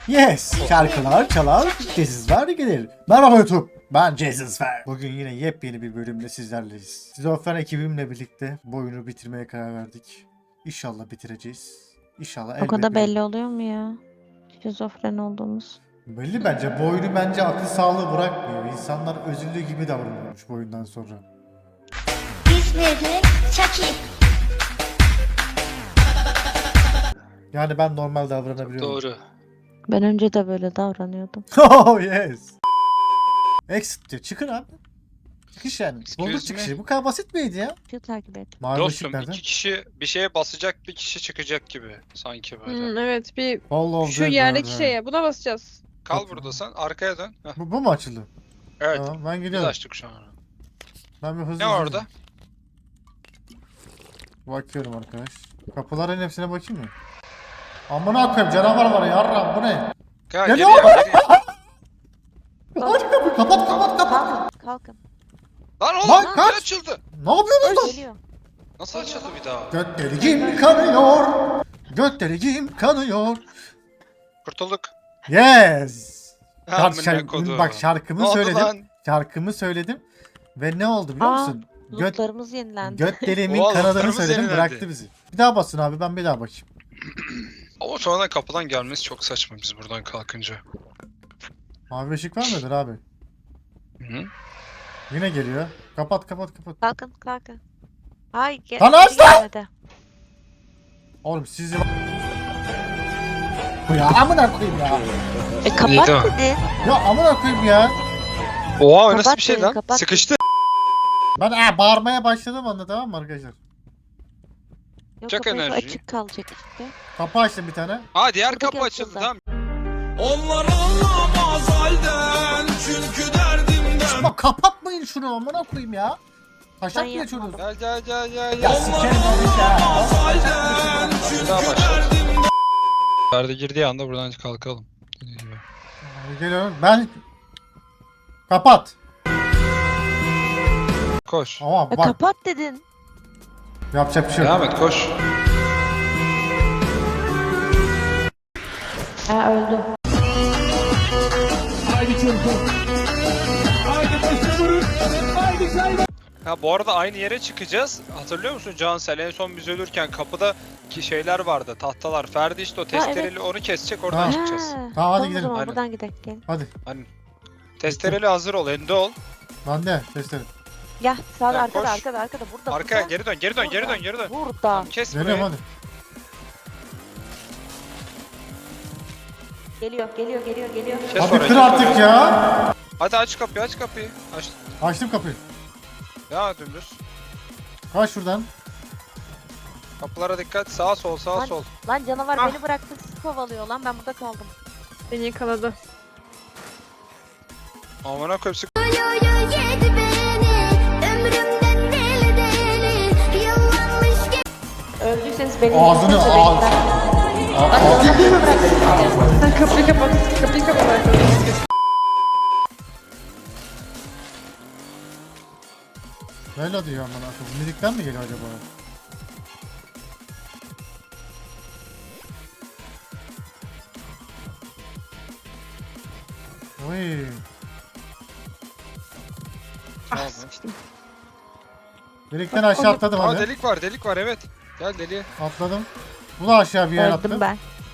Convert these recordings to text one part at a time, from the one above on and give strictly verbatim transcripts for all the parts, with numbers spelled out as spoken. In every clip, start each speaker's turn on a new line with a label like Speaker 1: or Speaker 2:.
Speaker 1: Yes, şarkılar çalar, cezizler gelir. Merhaba YouTube, ben Cezizfer. Bugün yine yepyeni bir bölümle sizlerleyiz. Şizofren ekibimle birlikte bu oyunu bitirmeye karar verdik. İnşallah bitireceğiz. İnşallah
Speaker 2: O kadar
Speaker 1: elbet
Speaker 2: belli oluyor mu ya? Şizofren olduğumuz.
Speaker 1: Belli bence. Bu oyunu bence akıl sağlığı bırakmıyor. İnsanlar özürlü gibi davranıyormuş bu oyundan sonra.
Speaker 3: İzmirli Çaki.
Speaker 1: Yani ben normal davranabiliyorum.
Speaker 4: Doğru.
Speaker 2: Ben önce de böyle davranıyordum.
Speaker 1: Oh yes. Exit diyor. Çıkın abi. Çıkış yani.
Speaker 4: Excuse
Speaker 1: Bulduk
Speaker 4: me.
Speaker 1: çıkışı. Bu kadar basit miydi ya?
Speaker 2: Şu takip et.
Speaker 1: Mavi
Speaker 4: Dostum
Speaker 1: ışık nerede?
Speaker 4: iki kişi bir şeye basacak, bir kişi çıkacak gibi sanki böyle.
Speaker 5: Hmm, evet bir
Speaker 1: All of
Speaker 5: şu
Speaker 1: them
Speaker 5: yerdeki
Speaker 1: nerede?
Speaker 5: şeye buna basacağız.
Speaker 4: Kal burada sen, arkaya dön. Heh,
Speaker 1: Bu, bu mu açıldı?
Speaker 4: evet,
Speaker 1: Tamam, ben
Speaker 4: biz
Speaker 1: gidiyorum.
Speaker 4: açtık şu an.
Speaker 1: Ben bir hızlı
Speaker 4: Ne
Speaker 1: hızlı-
Speaker 4: orada?
Speaker 1: Bakıyorum arkadaş. Kapıların hepsine bakayım mı? Amına koyayım, canavar var ya, yarram bu ne?
Speaker 4: Gel,
Speaker 1: Ya
Speaker 4: geriye,
Speaker 1: ne
Speaker 4: geriye.
Speaker 1: Aç kapıyı, kapat kapat kapat.
Speaker 2: Kalkın, kalkın.
Speaker 4: Lan oğlum,
Speaker 1: Lan
Speaker 4: lan,
Speaker 1: kaç!
Speaker 4: açıldı.
Speaker 1: Ne yapıyorsun lan?
Speaker 2: Geliyor.
Speaker 4: Nasıl açıldı bir daha?
Speaker 1: Göt deliğim kanıyor. Göt deliğim kanıyor.
Speaker 4: Kurtulduk.
Speaker 1: Yes. Şarkı,
Speaker 4: Amına
Speaker 1: şarkı-
Speaker 4: kodum.
Speaker 1: bak
Speaker 4: Ne
Speaker 1: şarkımı
Speaker 4: oldu
Speaker 1: söyledim.
Speaker 4: lan?
Speaker 1: Şarkımı söyledim. Ve ne oldu biliyor
Speaker 2: Aa,
Speaker 1: musun? Göt,
Speaker 2: Lootlarımız yenilendi.
Speaker 1: göt deliğimin
Speaker 4: Oha,
Speaker 1: kanadını
Speaker 4: lootlarımız
Speaker 1: söyledim,
Speaker 4: yenilendi.
Speaker 1: bıraktı bizi. Bir daha basın abi, ben bir daha bakayım.
Speaker 4: Ama sonradan kapıdan gelmesi çok saçma biz buradan kalkınca.
Speaker 1: Mavi ışık var mıdır abi?
Speaker 4: Hı?
Speaker 1: Yine geliyor. Kapat kapat kapat.
Speaker 2: Kalkın, kalkın. Ay, gel.
Speaker 1: Lan
Speaker 2: geri
Speaker 1: aç lan!
Speaker 2: gelmedi.
Speaker 1: Oğlum sizi... Bu ya amına koyayım ya.
Speaker 2: E kapat
Speaker 4: İyi, tamam.
Speaker 2: dedi.
Speaker 1: Ya amına koyayım ya.
Speaker 4: Oha, o nasıl
Speaker 2: Kapat
Speaker 4: bir şey
Speaker 2: beni,
Speaker 4: lan?
Speaker 2: kapat.
Speaker 4: Sıkıştı.
Speaker 1: Ben ee, bağırmaya başladım anda, tamam mı arkadaşlar?
Speaker 2: Yok,
Speaker 4: Çak
Speaker 2: kapı
Speaker 4: enerjiyi.
Speaker 2: açık kalacak işte.
Speaker 1: Kapı açtım bir tane.
Speaker 4: Aa, diğer
Speaker 2: Buradaki
Speaker 4: kapı açıldı
Speaker 2: açıldı.
Speaker 4: tamam.
Speaker 6: Onlar anlamaz halden çünkü derdimden.
Speaker 1: Bak kapatmayın şunu, amına koyayım ya. Taşak
Speaker 2: Ben
Speaker 1: mı geçiyorsunuz?
Speaker 2: yapmadım.
Speaker 4: Gel gel gel gel.
Speaker 1: Ya
Speaker 4: gel.
Speaker 1: sikerim onu ya.
Speaker 6: Halden
Speaker 4: Bir
Speaker 6: çünkü
Speaker 4: daha başlat.
Speaker 6: derdimden.
Speaker 4: Perde girdiği anda buradan kalkalım. Dediği gibi.
Speaker 1: Abi geliyorum. Ben... Kapat.
Speaker 4: Koş.
Speaker 1: Ama
Speaker 2: E
Speaker 1: bak
Speaker 2: kapat dedin.
Speaker 1: yapacak bir şey yok.
Speaker 4: Devam et, koş.
Speaker 2: Ha öldü.
Speaker 4: Ha, bu arada aynı yere çıkacağız. Hatırlıyor musun Cansel? En son biz ölürken kapıda ki şeyler vardı, tahtalar. Ferdi işte o testereli
Speaker 2: evet.
Speaker 4: onu kesecek, oradan
Speaker 1: Ha.
Speaker 4: çıkacağız.
Speaker 2: Ha,
Speaker 1: Tamam, hadi
Speaker 2: o
Speaker 1: gidelim.
Speaker 2: zaman
Speaker 4: Aynen.
Speaker 2: buradan gidelim. Gel.
Speaker 1: Hadi.
Speaker 4: Hani testereli hazır ol, ende ol.
Speaker 1: Ben de testerim.
Speaker 2: Gel sağda
Speaker 4: Ya,
Speaker 2: arkada
Speaker 4: koş.
Speaker 2: arkada arkada burada.
Speaker 4: Arkaya
Speaker 2: burada.
Speaker 4: geri dön, geri dön, geri
Speaker 2: Burada.
Speaker 4: dön, geri dön.
Speaker 2: Burada.
Speaker 4: Kes
Speaker 1: Geliyorum
Speaker 4: burayı.
Speaker 1: hadi.
Speaker 2: Geliyor geliyor geliyor geliyor.
Speaker 4: Kes
Speaker 1: Hadi
Speaker 4: orayı,
Speaker 1: kır
Speaker 4: kes
Speaker 1: artık
Speaker 4: orayı.
Speaker 1: ya.
Speaker 4: Hadi aç kapıyı, aç kapıyı. Aç.
Speaker 1: Açtım kapıyı.
Speaker 4: Ya dümdüz.
Speaker 1: Kaç şuradan.
Speaker 4: Kapılara dikkat. Sağ sol, sağ
Speaker 2: Lan-
Speaker 4: sol.
Speaker 2: Lan canavar
Speaker 4: Ah.
Speaker 2: beni bıraktı, sizi kovalıyor lan, ben burada kaldım.
Speaker 5: Beni yakaladı.
Speaker 4: Amına koyayım, sık.
Speaker 3: Yedi beni ömrümden deli deli. Yıllanmış ge-
Speaker 2: Öldüyseniz beni
Speaker 1: Ağzını
Speaker 2: yıkınca
Speaker 1: ağz.
Speaker 2: bekler.
Speaker 5: Sen kapıyı kapat. Kapıyı kapat arkadaşlar.
Speaker 1: Böyle diyor amına koyayım. Müzikten mi geliyor acaba? Oy.
Speaker 4: Tamam.
Speaker 1: Delikten aşağı atladım
Speaker 4: Aa,
Speaker 1: hadi.
Speaker 4: delik var, delik var, evet. Gel deliğe.
Speaker 1: Atladım. Bu da aşağı bir yer attı.
Speaker 2: Öldüm ben.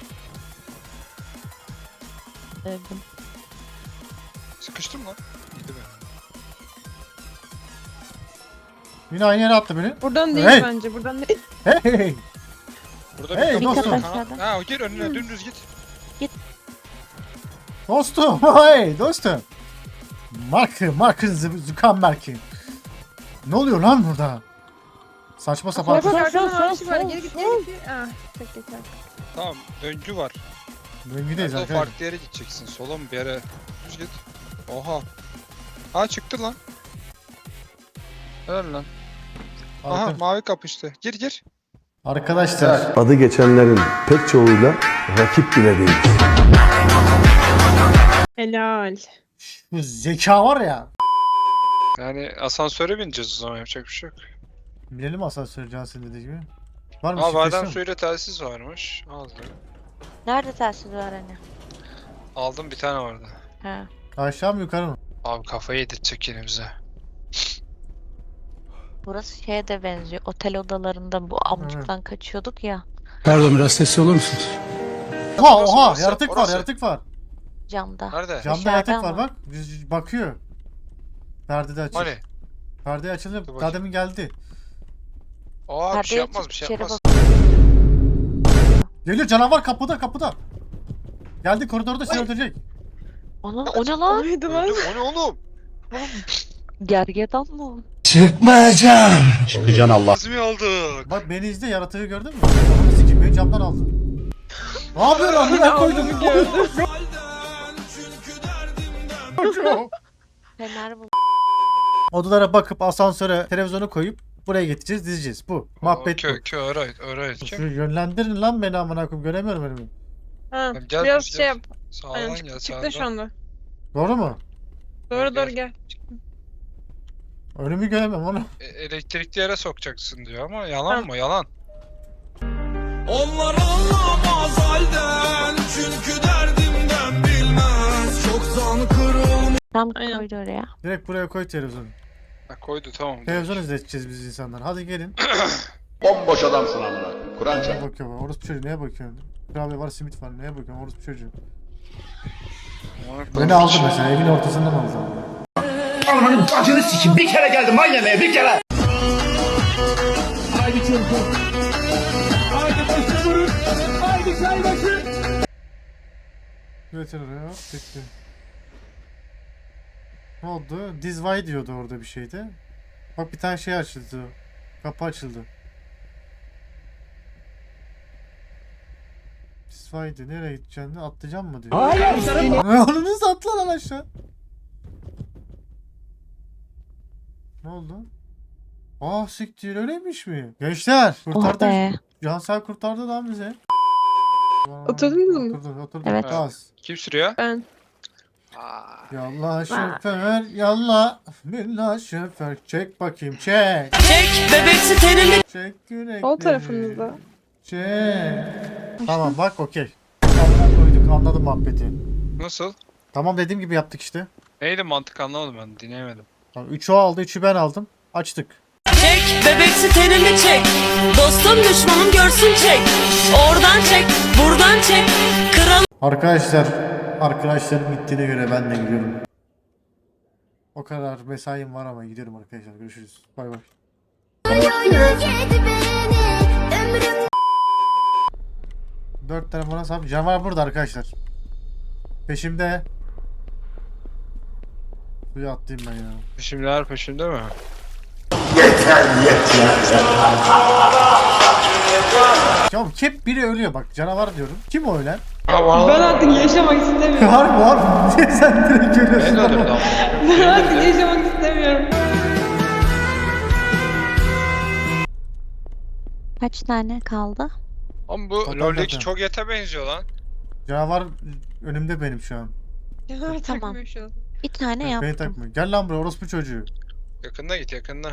Speaker 2: Öldüm.
Speaker 4: Sıkıştım lan. İyiydi be.
Speaker 1: Yine aynı yere attı beni.
Speaker 5: Buradan değil
Speaker 1: Hey!
Speaker 5: bence. Buradan değil.
Speaker 1: Hey hey.
Speaker 4: Burada
Speaker 1: Hey,
Speaker 4: bir kapı
Speaker 1: dostum.
Speaker 4: var.
Speaker 2: Aşağıda.
Speaker 4: Ha, gir önüne, dümdüz git.
Speaker 1: Dostum. Hey dostum. Mark, Mark Zuckerberg'in. Ne oluyor lan burada? Saçma sapan.
Speaker 5: Bak bak
Speaker 2: sol,
Speaker 5: arkadan
Speaker 2: sol,
Speaker 5: ağaç var.
Speaker 2: sol,
Speaker 5: Geri git
Speaker 2: sol.
Speaker 5: geri git. Ah tek geçer.
Speaker 4: Tamam, döngü var.
Speaker 1: Döngüdeyiz
Speaker 4: Nerede o
Speaker 1: arkadaşlar.
Speaker 4: farklı yere gideceksin. Sola mı bir yere? Düz git. Oha. Ha, çıktı lan. Helal lan. Aha,
Speaker 1: Arka-
Speaker 4: mavi kapı işte. Gir gir.
Speaker 1: Arkadaşlar.
Speaker 7: Adı geçenlerin pek çoğuyla rakip bile değil.
Speaker 5: Helal.
Speaker 1: Bu zeka var ya.
Speaker 4: Yani asansöre bineceğiz o zaman, yapacak bir şey yok.
Speaker 1: Bilelim asansör Cansın dediği gibi. Var mı?
Speaker 4: Aa,
Speaker 1: şifresi
Speaker 4: badem
Speaker 1: mi?
Speaker 4: suyuyla telsiz varmış. Aldım.
Speaker 2: Nerede telsiz var hani?
Speaker 4: Aldım bir tane vardı.
Speaker 2: He.
Speaker 1: Aşağı mı yukarı mı?
Speaker 4: Abi kafayı yedirtecek yine bize.
Speaker 2: Burası şeye de benziyor. Otel odalarında bu amcuktan kaçıyorduk ya.
Speaker 8: Pardon biraz sesli olur musunuz?
Speaker 1: Oha
Speaker 4: Orası,
Speaker 1: oha
Speaker 4: orası,
Speaker 1: yaratık var
Speaker 4: orası.
Speaker 1: yaratık var.
Speaker 2: Camda.
Speaker 4: Nerede?
Speaker 1: Camda
Speaker 2: Dışarıda
Speaker 1: yaratık var
Speaker 2: ama.
Speaker 1: bak. Yüz- Bakıyor. Perde de açık.
Speaker 4: Hani?
Speaker 1: Perde açılıyor.
Speaker 4: Dur bakayım.
Speaker 1: Daha demin geldi.
Speaker 4: Aa bir
Speaker 2: Perdeye
Speaker 4: şey yapmaz
Speaker 2: çık,
Speaker 4: bir şey
Speaker 2: içeri
Speaker 4: yapmaz.
Speaker 2: bak.
Speaker 1: Geliyor canavar kapıda kapıda. Geldi koridorda seni öldürecek.
Speaker 2: Onun, o ne lan?
Speaker 5: Oydu lan.
Speaker 4: Öldüm, o ne oğlum?
Speaker 2: Gergedan mı?
Speaker 8: Çıkmayacağım. Çıkacaksın Allah.
Speaker 4: Azmi aldık.
Speaker 1: Bak beni izle yaratığı gördün mü? Onu sikim beni camdan aldı. Ne yapıyorsun amına koydum?
Speaker 6: Halden çünkü derdimden.
Speaker 2: Fener bu.
Speaker 1: Odalara bakıp asansöre televizyonu koyup buraya getireceğiz dizeceğiz. Bu. Muhabbet bu.
Speaker 4: Kö kö alright alright.
Speaker 1: Şunu yönlendirin lan beni amına koyayım göremiyorum önümü.
Speaker 5: Ha,
Speaker 4: Gel,
Speaker 5: biraz
Speaker 4: biz
Speaker 5: şey
Speaker 4: gel.
Speaker 5: yap.
Speaker 4: Sağdan
Speaker 5: Aynen
Speaker 4: gel
Speaker 5: çık,
Speaker 4: sağdan.
Speaker 5: çıktı şu anda.
Speaker 1: Doğru mu?
Speaker 5: Doğru
Speaker 4: Gel.
Speaker 5: doğru gel.
Speaker 1: Önümü göremiyorum onu.
Speaker 4: E, elektrikli yere sokacaksın diyor ama yalan
Speaker 5: Tamam.
Speaker 4: mı? Yalan.
Speaker 6: Onlar anlamaz halden çünkü derdimden bilmez. Çoktan kırılmış.
Speaker 2: Tam
Speaker 5: Aynen.
Speaker 2: koydu oraya.
Speaker 1: Direkt buraya koy televizyonu.
Speaker 4: Ha, koydu tamam.
Speaker 1: Televizyon izleteceğiz biz insanlar. Hadi gelin.
Speaker 7: Bomboş adamsın amına. Kur'an
Speaker 1: Neye bakıyor bak? Orospu çocuğu neye bakıyorsun? Kurabiye var, simit var. Neye bakıyorsun? Orospu çocuğu. Beni aldı mesela. Evin ortasından aldı.
Speaker 8: Almanın bacını sikim. Bir kere geldim lan yemeğe bir kere.
Speaker 1: Götür oraya. Bekle. Ne oldu? Dizvay diyordu orada bir şeydi. Bak bir tane şey açıldı. Kapı açıldı. Dizvay'dı. Nereye gideceksin? Atlayacağım mı diyor. Hayır. Onu nasıl atla lan aşağı? Ne oldu? Ah siktir öyleymiş mi? Gençler
Speaker 2: Oh
Speaker 1: kurtardı.
Speaker 2: be.
Speaker 1: Cansel kurtardı lan bize.
Speaker 5: Oturdunuz mu?
Speaker 1: Oturduk oturduk.
Speaker 2: Evet.
Speaker 1: Az.
Speaker 4: Kim sürüyor?
Speaker 5: Ben.
Speaker 4: Aa,
Speaker 1: Yallah şoför yallah. Billah şoför çek bakayım çek.
Speaker 9: Çek bebeksi tenini.
Speaker 1: Çek yürekleri.
Speaker 5: Sol tarafınızda.
Speaker 1: Çek. Tamam bak okey. Tamam koyduk anladım muhabbeti.
Speaker 4: nasıl?
Speaker 1: Tamam dediğim gibi yaptık işte.
Speaker 4: Neydi mantık anlamadım ben dinleyemedim.
Speaker 1: Tamam, üçü o aldı üçü ben aldım. Açtık.
Speaker 9: Çek bebeksi tenini çek. Dostum düşmanım görsün çek. Oradan çek, buradan çek. Kral
Speaker 1: Arkadaşlar arkadaşlarım gittiğine göre ben de gidiyorum. O kadar mesaim var ama gidiyorum arkadaşlar. Görüşürüz. Bay bay.
Speaker 3: Oy oy oy yedi beni ömrüm.
Speaker 1: Dört tane bana sahip. Canavar burada arkadaşlar. Peşimde. Suya atlayayım ben ya.
Speaker 4: Peşimdeler peşimde mi?
Speaker 1: Ya hep biri ölüyor bak canavar diyorum. Kim o ölen?
Speaker 5: Ben artık yaşamak istemiyorum.
Speaker 1: Var mı var mı? Sen direkt ölüyorsun.
Speaker 4: Ben öldürdüm
Speaker 1: ama.
Speaker 4: ama.
Speaker 5: Ben artık yaşamak istemiyorum.
Speaker 2: Kaç tane kaldı?
Speaker 4: Ama bu
Speaker 1: Total
Speaker 4: LoL'deki
Speaker 1: zaten.
Speaker 4: çok yete benziyor lan.
Speaker 1: Canavar önümde benim şu an.
Speaker 5: Canavar
Speaker 2: Tamam.
Speaker 5: takmıyor şu an.
Speaker 2: Bir tane
Speaker 1: Beni
Speaker 2: yaptım.
Speaker 1: takma. Gel lan buraya orospu çocuğu.
Speaker 4: Yakında git yakında.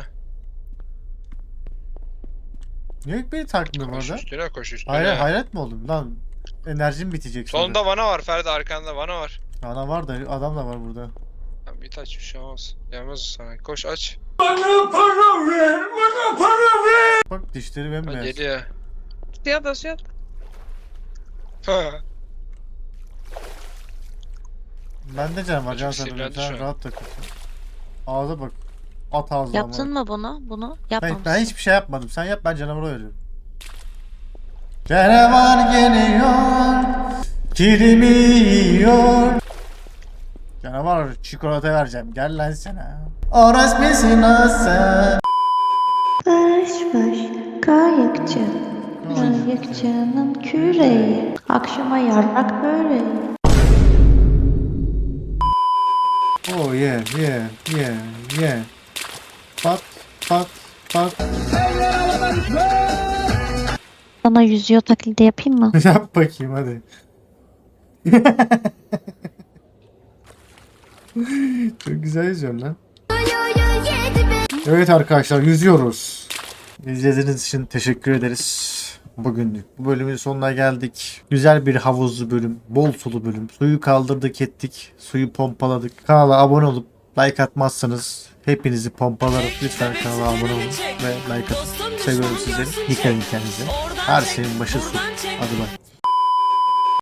Speaker 1: Niye beni takmıyor bu
Speaker 4: Koş
Speaker 1: arada?
Speaker 4: üstüne koş üstüne.
Speaker 1: Hayret, hayret mi oldum? Lan enerjim bitecek sonra.
Speaker 4: Solunda vana var Ferdi arkanda vana var.
Speaker 1: Ana var da adam da var burada.
Speaker 4: Tamam git aç bir şey olmaz. Gelmez o sana. Koş aç.
Speaker 1: Bak dişleri
Speaker 4: Ha,
Speaker 1: bembeyaz.
Speaker 4: geliyor.
Speaker 5: Suya da suya.
Speaker 1: Bende can var
Speaker 4: Çocuk
Speaker 1: can sen
Speaker 4: sinirlendi
Speaker 1: sen
Speaker 4: şu an.
Speaker 1: rahat takıl. Ağza bak. At ağzına.
Speaker 2: Yaptın mı bunu? Bunu
Speaker 1: Ben,
Speaker 2: yapmamışsın.
Speaker 1: ben hiçbir şey yapmadım. Sen yap ben canavara veriyorum. Canavar geliyor. Kilimi yiyor. Canavar çikolata vereceğim. Gel lan sana. Orası nasıl?
Speaker 10: Baş baş kayıkçı, kayıkçının küreği, akşama yarrak böreği.
Speaker 1: Oh yeah yeah yeah yeah. Pat pat pat.
Speaker 2: Sana yüzüyor taklidi yapayım mı?
Speaker 1: Yap bakayım hadi. Çok güzel yüzüyorum lan.
Speaker 3: Oy oy oy yedi beni.
Speaker 1: Evet arkadaşlar yüzüyoruz. İzlediğiniz için teşekkür ederiz. bugünlük bu bölümün sonuna geldik. Güzel bir havuzlu bölüm, bol sulu bölüm. Suyu kaldırdık ettik, suyu pompaladık. Kanala abone olup like atmazsanız hepinizi pompalarım. Lütfen kanala abone olun ve like atın. Seviyorum sizleri. Dikkat edin kendinize. Her şeyin başı su. Hadi bak.